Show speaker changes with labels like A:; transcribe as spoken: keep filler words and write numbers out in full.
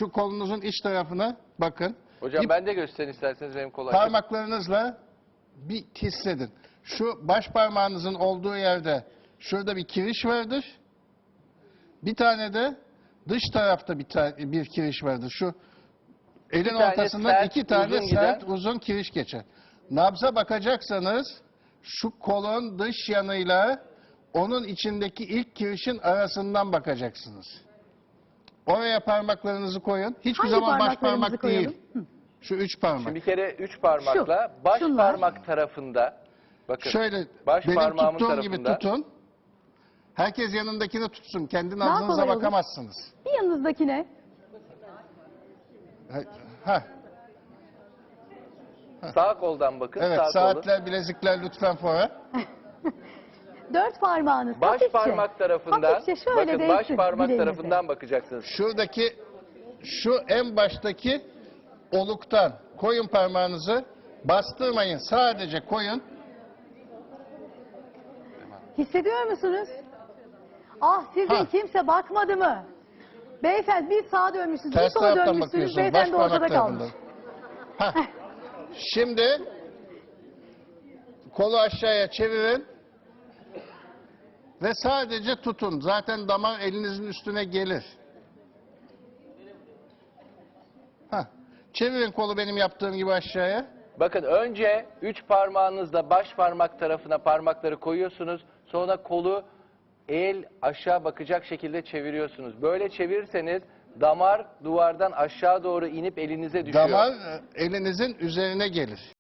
A: şu kolunuzun iç tarafına bakın.
B: Hocam
A: Bir
B: ben de gösterin isterseniz, benim kolay.
A: parmaklarınızla bir hissedin. Şu baş parmağınızın olduğu yerde şurada bir kiriş vardır. Bir tane de dış tarafta bir, ta bir kiriş vardır. Şu elin
B: tane
A: ortasından
B: sert,
A: iki tane
B: uzun
A: sert
B: giden-
A: uzun kiriş geçer. Nabza bakacaksanız şu kolun dış yanıyla onun içindeki ilk kirişin arasından bakacaksınız. Oraya parmaklarınızı koyun. Hiçbir
C: Hangi
A: zaman baş
C: parmaklarımızı
A: parmak
C: koyalım?
A: değil. Şu üç parmak.
B: Şimdi bir kere üç parmakla baş
C: şunlar.
B: parmak tarafında, bakın
A: Şöyle
B: baş
A: benim
B: parmağımın
A: tuttuğum gibi
B: tarafında.
A: tutun. Herkes yanındakini tutsun. Kendi
C: Daha
A: nabzınıza
C: kolay olur.
A: bakamazsınız.
C: Bir yanınızdakine.
A: Ha- Ha,
B: Sağ koldan bakın,
A: evet,
B: sağ kolun.
A: saatler, bilezikler lütfen fora.
C: Dört parmağınız
B: Baş
C: hafifçe.
B: parmak tarafından,
C: Hafifçe şöyle
B: bakın baş
C: değsin
B: parmak
C: bileğinize.
B: tarafından bakacaksınız.
A: Şuradaki, şu en baştaki oluktan koyun parmağınızı, bastırmayın, sadece koyun.
C: Hissediyor musunuz? Ah sizin
A: Ha.
C: kimse bakmadı mı? Beyefendi bir sağa dönmüşsünüz, bir
A: Ters
C: sola
A: taraftan
C: dönmüşsünüz,
A: bakıyorsun, baş
C: beyefendi ortada
A: parmak
C: kalmış.
A: tarafından. Hah. Şimdi kolu aşağıya çevirin ve sadece tutun. Zaten damar elinizin üstüne gelir. Hah. Çevirin kolu benim yaptığım gibi aşağıya.
B: Bakın önce üç parmağınızla baş parmak tarafına parmakları koyuyorsunuz. Sonra kolu el aşağı bakacak şekilde çeviriyorsunuz. Böyle çevirirseniz damar duvardan aşağı doğru inip elinize düşüyor.
A: Damar e, elinizin üzerine gelir.